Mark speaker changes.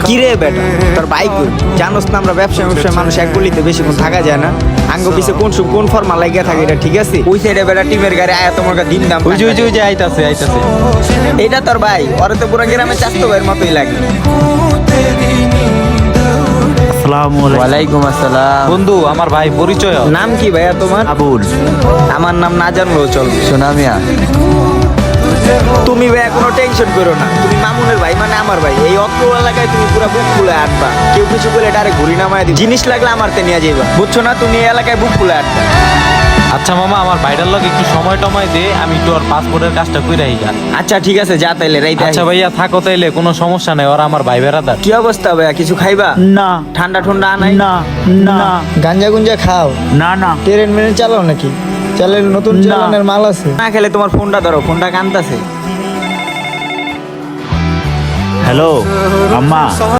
Speaker 1: কিরে বেটা তোর বাইক জানোস না আমরা ব্যবসায় মানুষ এক গলিতে বেশিক্ষণ থাকা যায় না। আঙ্গ পিছে কোন ফর্মা লাগিয়ে থাকে এটা ঠিক আছে। ওই সাইডে বেটা টিমের গাড়ি আয়া তোমার দিন দাম
Speaker 2: ওই যে আইতাছে
Speaker 1: এটা তোর ভাই ওরে তো পুরো গ্রামে চাস্তো ভাইয়ের মতোই লাগে।
Speaker 2: ওয়ালাইকুম আসসালাম। বন্ধু আমার ভাই পরিচয়।
Speaker 1: নাম কি ভাইয়া তোমার?
Speaker 2: আবুল।
Speaker 1: আমার নাম না জানলেও চলবে।
Speaker 2: সোনামিয়া।
Speaker 1: তুমি ভাইয়া কোনো টেনশন করো না, তুমি মামুনের ভাই মানে আমার ভাই। এই অত্র এলাকায় তুমি পুরো বুক ফুলে আটবা, কেউ কিছু বলে ডাইরেক্ট ঘুরি নামায় দিবে। জিনিস লাগলে আমার তে নিয়ে যাইবা, বুঝছো না? তুমি এই এলাকায় বুক ফুলে আটবা।
Speaker 2: আচ্ছা মামা আমার ভাইটার লগে একটু সময় টময় দে, আমি তোর পাসপোর্টের কাজটা কইরা আইগা।
Speaker 1: আচ্ছা ঠিক আছে, যা তাইলে রাইতে।
Speaker 2: আচ্ছা ভাইয়া থাকো তাইলে, কোনো সমস্যা নাই, ওরা আমার ভাই বেড়াদার।
Speaker 1: কি অবস্থা ভাইয়া, কিছু খাইবা?
Speaker 3: না
Speaker 1: ঠান্ডা ঠান্ডা আনাই?
Speaker 3: না না
Speaker 1: গাঞ্জা গুঞ্জা খাও?
Speaker 3: না না
Speaker 1: ট্রেন মেনে চালাও নাকি? চালের নতুন
Speaker 3: না।
Speaker 1: চালানের মাল আছে? না খেলে তোমার ফোনটা ধরো, ফোনটা কানতাছে।
Speaker 3: হ্যালো আম্মা।